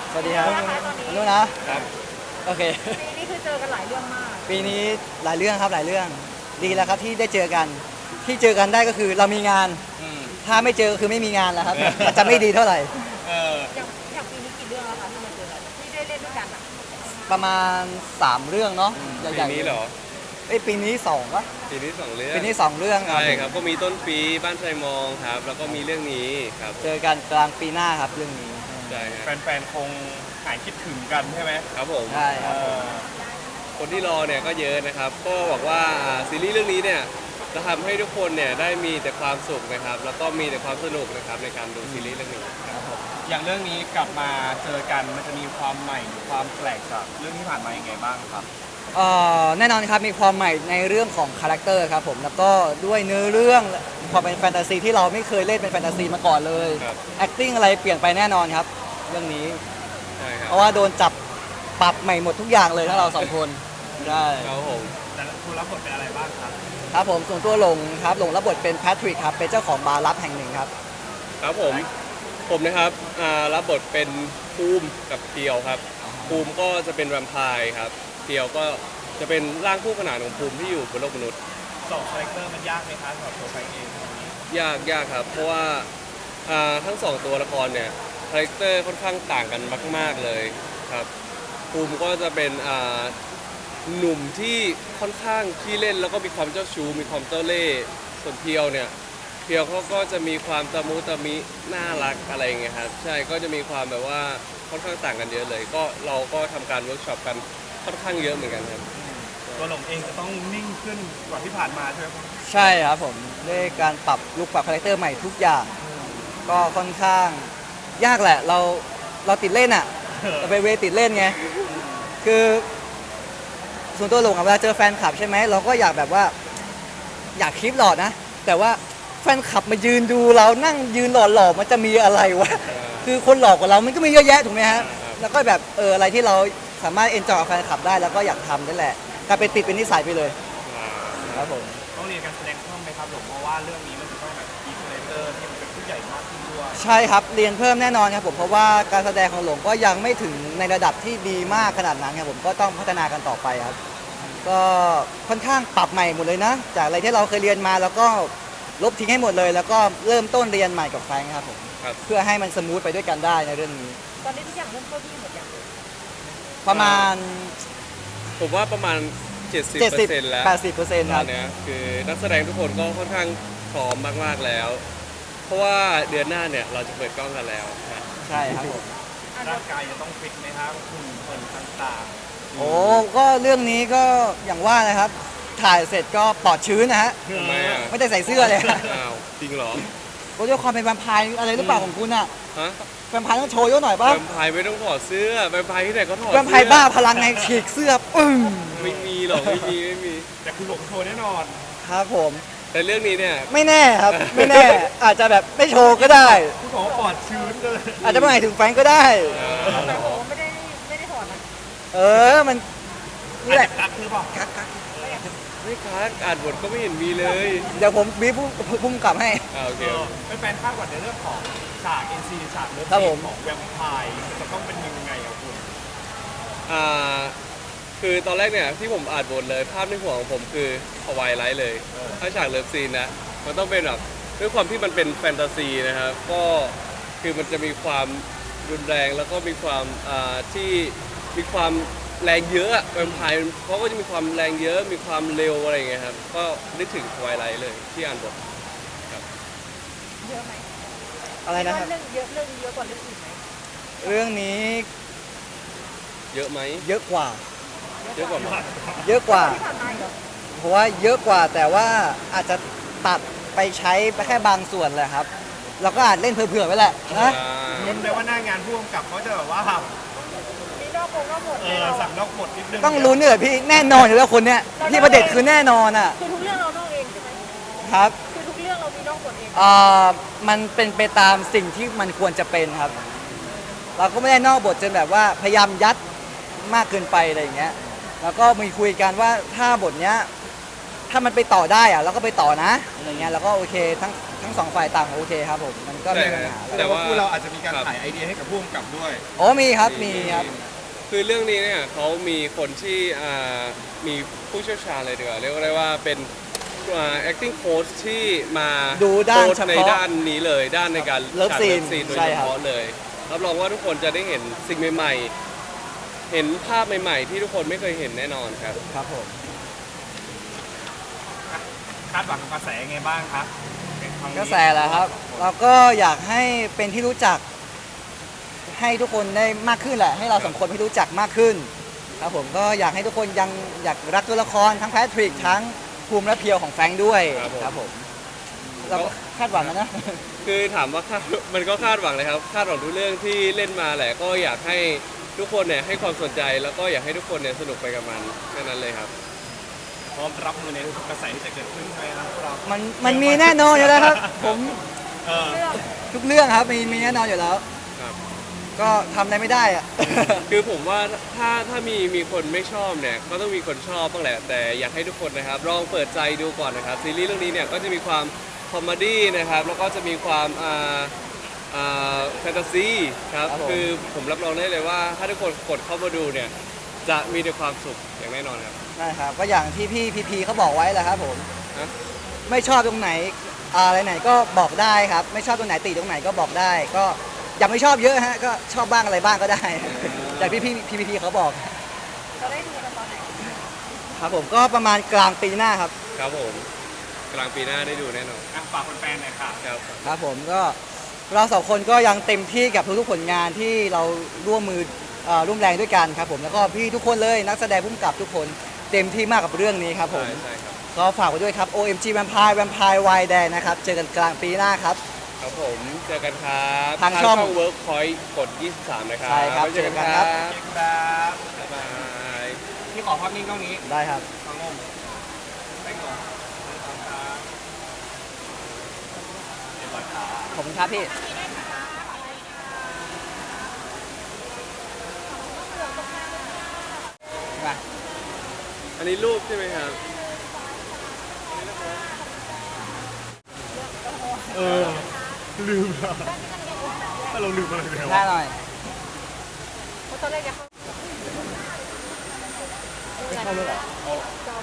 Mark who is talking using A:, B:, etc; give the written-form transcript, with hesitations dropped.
A: สวัสดีครับ
B: นะคะตอนนี้
A: นู้นนะครับโอเค
B: ปีนี้คือเจอกันหลายเรื่องมาก
A: ปีนี้หลายเรื่องครับหลายเรื่องดีแล้วครับที่ได้เจอกันที่เจอกันได้ก็คือเรามีงาน
C: อืม
A: ถ้าไม่เจอก็คือไม่มีงานแล้วครับ อาจจะไม่ดีเท่าไหร่
C: เออ
B: อย่างปีนี้กี่เรื่องแล้วคะที่มาเจอกันที่ได้เล่นด้วยกันอะ
A: ประมาณ 3 เรื่องเนาะให
C: ปี
A: ญ่
C: นี้เหรอ
A: เอ้ยปีนี้2วะ
C: ปีนี้2เรื่อง
A: ปีนี้2เรื่องครับ
C: ใช่ครับ ก็มีต้นปีบ้านไทรมองครับ แล้วก็มีเรื่องนี้ครับ
A: เจอกันกลางปีหน้าครับเรื่องนี้
C: ใช่ครับ
D: แฟนๆ คงหายคิดถึงกันใช่ไหม
C: ครับผม
A: ใช่ครับ
C: คนที่รอเนี่ยก็เยอะนะครับ ก็บอกว่าซีรีส์เรื่องนี้เนี่ยจะทำให้ทุกคนเนี่ยได้มีแต่ความสุขนะครับ แล้วก็มีแต่ความสนุกนะครับในการดูซีรีส์เรื่องนี้ครับ
D: อย่างเรื่องนี้กลับมาเจอกันมันจะมีความใหม่หรือความแปลกจากเรื่องที่ผ่านมายังไงบ้างครับ
A: แน่นอนครับมีความใหม่ในเรื่องของคาแรคเตอร์ครับผมแล้วก็ด้วยเนื้อเรื่องความเป็นแฟนตาซีที่เราไม่เคยเล่นเป็นแฟนตาซีมาก่อนเลย
C: ครับ
A: acting อะไรเปลี่ยนไปแน่นอนครับ เรื่องนี้
C: ใช่ครั
A: เพ
C: บ
A: ราะว่าโดนจับปรับใหม่หมดทุกอย่างเลยทั้งเราสองคนใช่
C: ครับผม
D: แต่คุณรับบทเป็นอะไรบ้างครับ
A: ครับผมส่วนตัวหลงครับหลงรับบทเป็นแพทริกครับเป็นเจ้าของบาร์ลับแห่งหนึ่งครับ
C: ครับผมนะครับรับบทเป็นภูมิกับเพียวครับภูมิก็จะเป็นแวมไพร์ครับเพียวก็จะเป็นร่างคู่ขนานของภูมิที่อยู่บนโลกมนุษย์
D: สองคาแรคเตอร์มันยากไหมครับสำหรับตัวแฟนเอง
C: ยากครับ เพราะว่าทั้งสองตัวละครเนี่ยคาแรคเตอร์ค่อนข้างต่างกันมากๆเลยครับภูมิก็จะเป็นหนุ่มที่ค่อนข้างขี้เล่นแล้วก็มีความเจ้าชู้มีความเจ้าเล่ห์ส่วนเพียวเนี่ยเพียวเขาก็จะมีความตะมุตะมิน่ารักอะไรอย่างเงี้ยครับใช่ก็จะมีความแบบว่าค่อนข้างต่างกันเยอะเลย ก็เราก็ทำการเวิร์กช็อปกันค่อนข้างเยอะเหมือนกันครับ
D: ตัวหลงเองจะต้องนิ่งขึ้นกว่าที่ผ่านมาใช่ไหมครับ
A: ใช่ครับผมด้วยการปรับลุคปรับคาแรคเตอร์ใหม่ทุกอย่าง ก็ค่อนข้างยากแหละเราติดเล่นอ่ะเราไปเวติดเล่นไงคือส่วนตัวหลงอะเวลาเจอแฟนคลับใช่ไหมเราก็อยากแบบว่าอยากคลิปหลอดนะ แต่ว่าแฟนคลับมายืนดูเรานั่งยืนหล่อๆมันจะมีอะไรวะคือคนหลอกกว่าเรามันก็มีเยอะแยะถูกไหมฮะแล้วก็แบบอะไรที่เราสามารถเอนจอยกับแฟนคลับได้แล้วก็อยากทำนั่นแหละกลายเป็นติดเป็นนิสัยไปเลยครับผม
D: ต้องเรียนการแสดงเพิ่มไหมครับหลงเพราะว่าเรื่องนี้มันจะต้องแบบมีคาแรคเตอร์ที่มันเป็นผู้ใหญ่มากขึ้นด้วย
A: ใช่ครับเรียนเพิ่มแน่นอนครับผมเพราะว่าการแสดงของหลงก็ยังไม่ถึงในระดับที่ดีมากขนาดนั้นครับผมก็ต้องพัฒนากันต่อไปครับ ก็ค่อนข้างปรับใหม่หมดเลยนะ จากอะไรที่เราเคยเรียนมาแล้วก็ลบทิ้งให้หมดเลย แล้วก็เริ่มต้นเรียนใหม่กับแฟรงค์ครับผม
C: ครับ
A: เพื่อให้มันสมูทไปด้วยกันได้ในเรื่องนี้
B: ตอนนี้ทุกอย่างเริ่มเข้าที่หมดอย่าง
A: ประมาณ
C: ผมว่าประมาณ 70% แล้ว
A: 80%ครับ
C: ตอนเนี้ยคือนักแสดงทุกคนก็ค่อนข้างพร้อมมากๆแล้ว เพราะว่าเดือนหน้าเนี่ยเราจะเปิดกล้องกันแล้วนะ
A: ใช่ครับผม
D: ร่างกายจะต้องฟิตไหมครับหุ่นเหินต่าง
A: โอ้ก็เรื่องนี้ก็อย่างว่านะครับ ถ่ายเสร็จก็ปลอดชื้นนะฮะ
D: ๆ
C: ทำไมอ่ะ
A: ไม่ได้ใส่เสื้อเลย
C: อ้าวจริงเหรอ
A: ก็ด้วยความเป็นแวมไพร์อะไรหรือเปล่าของคุณอะ
C: ฮะ
A: แวมไพร์ต้องโชว์เยอะหน่อยป่ะ
C: แวมไพร์ไม่ต้องถอดเสื้อแวมไพร์ที่ไหนก็ถอด
A: แวมไพร์บ้าพลังไงฉีกเสื้อปึ้ง
C: ไม่มีหรอกไม่มี
D: แต่คุณหลงโชว์แน่นอน
A: ครับผม
C: แต่เรื่องนี้เนี่ย
A: ไม่แน่ครับ ไม่แน่ อาจจะแบบไม่โชว์ก็ได้
D: คุณบอกว่าปลอดชื้นเลย
A: อาจจะไม่หมายถึงแฟรงก์ก็ได้
B: แต่โอ้ไม่ได้ถอดนะ
A: เออมันนี่แหละ
D: กักหรือเปล่า
C: ไม่คักอ่านบทก็ไม่เห็นมีเลย
A: เดี๋ยวผมบีบพุ่มกลับให้
C: โอเค
D: เป็นแฟนคาดหวังในเรื่องของฉาก NC ฉากเลิฟ
A: ครับผม
D: ของแวมไพร์มันจะต้องเป็นยังไงครับคุณ
C: อ่าคือตอนแรกเนี่ยที่ผมอ่านบทเลยภาพในหัวของผมคือฮวายไลท์เลย ถ้าฉากเลิฟซีนนะมันต้องเป็นแบบด้วยความที่มันเป็นแฟนตาซีนะครับก็คือมันจะมีความรุนแรงแล้วก็มีความที่มีความแรงเยอะอะแวมไพร์เขาก็จะมีความแรงเยอะมีความเร็วอะไรอย่างเงี้ยครับก็นึกถึงทวายไลท์เลยที่อ่านบท
B: เยอะไหม
A: อะไรนะครับ
B: เรื่องเยอะกว่าเรื่องอื่นไหม
A: เรื่องนี้
C: เยอะไหม
A: เยอะกว่า
C: เยอะกว่าไหม
A: เยอะกว่า
B: ที่ผ่านมาเหรอ
A: เพราะว่าเยอะกว่าแต่ว่าอาจจะตัดไปใช้ไปแค่บางส่วนแหละครับ เราก็อาจเล่นเผื่อๆไว้แหละนะ
D: ลุ้นเลยว่าหน้างานผู้กำกับเขาจะแบบว่า
B: มีนอกวงนอกบทแน่นอน
D: สั่งนอกบทนิดนึง
A: ต้องลุ้นเนี่ยพี่แน่นอนอยู่แล้วคนเนี้ยพี่ประเด็จคือแน่นอนอ่ะ
B: คือทุกเรื่องเรานอกเองใช่ไหม
A: ครับ
B: คือทุกเรื่องเรามีนอกบทเอง
A: มันเป็นไปตามสิ่งที่มันควรจะเป็นครับ เราก็ไม่ได้นอกบทจนแบบว่าพยายามยัดมากเกินไปอะไรอย่างเงี้ย แล้วก็มีคุยกันว่าถ้าบทเนี้ยถ้ามันไปต่อได้อะเราก็ไปต่อนะอะไรเงี้ยแล้วก็โอเคทั้งทั้งสองฝ่ายต่างโอเคครับผมมันก็ไม่มีปัญหาอะไร
D: แต่ว่าคู่เราอาจจะมีการขายไอเดียให้กับผู้กำกับด้วย
A: โอ้มีครับมีครับ
C: คือเรื่องนี้เนี่ยเขามีคนที่มีผู้เชี่ยวชาญเลยดีกว่าเรียกได้ว่าเป็นacting coach ที่มา
A: ดูด้าน
C: โค้ช
A: เฉพาะ
C: ในด้านนี้เลยด้านในการ
A: เลิฟ
C: ฉาก
A: ซีน
C: ซีนโดย
A: ใช่
C: เฉ
A: ครับ
C: พาะเลยรับรองว่าทุกคนจะได้เห็นสิ่งใหม่ๆ เห็นภาพใหม่ๆ ที่ทุกคนไม่เคยเห็นแน่นอนครับ
A: ครับผม
D: คาดหวังกับกระแสยังไงบ้างครับเป็นครั้งนี้
A: กระแสแหละครับ เราก็อยากให้เป็นที่รู้จัก ให้ทุกคนได้มากขึ้นแหละ ให้เราสองคนให้รู้จักมากขึ้นครับผมก็อยากให้ทุกคนยังอยากรักตัวละครทั้งแพทริกทั้งภูมิและเพียวของแฟรงค์ด้วย
C: ครับผม
A: เราก็คาดหวังนะ
C: คือถามว่ามันก็คาดหวังเลยครับคาดหวังทุกเรื่องที่เล่นมาแหละก็อยากให้ทุกคนเนี่ยให้ความสนใจแล้วก็อยากให้ทุกคนเนี่ยสนุกไปกับมันแค่นั้นเลยครับ
D: พร้อมรับมือในทุกกระแสที่จะเกิดขึ้นใช่ไหมครับพวกเรา
A: มันมีแน่นอนอยู่แล้วครับ ผม
D: เออ
B: เรื่อง
A: ทุกเรื่องครับมีแน่นอนอยู่แล้ว
C: ครับ
A: ก็ทำอะไรไม่ได้อะ
C: คือผมว่าถ้ามีคนไม่ชอบเนี่ยก็ต้องมีคนชอบบ้างแหละแต่อยากให้ทุกคนนะครับลองเปิดใจดูก่อนนะครับซีรีส์เรื่องนี้เนี่ยก็จะมีความคอมเมดี้นะครับแล้วก็จะมีความแฟนตาซีครับ
A: ครับผม
C: คือผมรับรองได้เลยว่าถ้าทุกคนกดเข้ามาดูเนี่ยจะมีแต่ความสุขอย่างแน่นอนครับ
A: ใช่ครับก็อย่างที่พี่พีเขาบอกไว้แหละครับผม
C: ฮะ
A: ไม่ชอบตรงไหนอะไรไหนก็บอกได้ครับ ไม่ชอบตรงไหนติตรงไหนก็บอกได้ ก็อย่าไม่ชอบเยอะฮะก็ชอบบ้างอะไรบ้างก็ได้ อย่างพี่เขาบอก
B: เราได้ดูกันตอนไหน
A: ครับผมก็ประมาณกลางปีหน้าครับ
C: ครับผมกลางปีหน้าได้ดูแน่นอน
D: อ่ะฝากแฟนๆหน่อยค่ะ
C: ครับ
A: ครับผมก็เราสองคนก็ยังเต็มที่กับทุกๆผลงานที่เราร่วมมือร่วมแรงด้วยกันครับผมแล้วก็พี่ทุกคนเลยนักแสดงผู้กำกับทุกคนเต็มที่มากกับเรื่องนี้ครับผม
C: ใช่ครับ
A: ก็ฝากไว้ด้วยครับ OMG Vampire Vampire Wild Dare นะครับเจอกันกลางปีหน้าครับ
C: ครับผมเจอกันครับ
A: ทางช่อง
C: Workpoint กด 23 นะครับ
A: ใช่ครับ
C: ไว้เจอกัน
A: เจอกัน
C: ค
A: ครั
C: รับ
A: บ
D: ครับ
C: บ๊ายบาย
D: พี่ขอภาพนิ่งกล้องนี้
A: ได้ครับ
D: ทางลมไปก่อนเรียบร้อยครับ
A: ขอบคุณครับพี่มา
C: อันนี้รูปใช่ไหมครับ
D: เออ ลืมอะถ้าเราลืมอะไรไป
A: ห
D: วะ
A: น้าหน่อย
B: เพราะตอนแรกจะเข้า
D: ไม่เข้าเลยเหรอ
B: จอ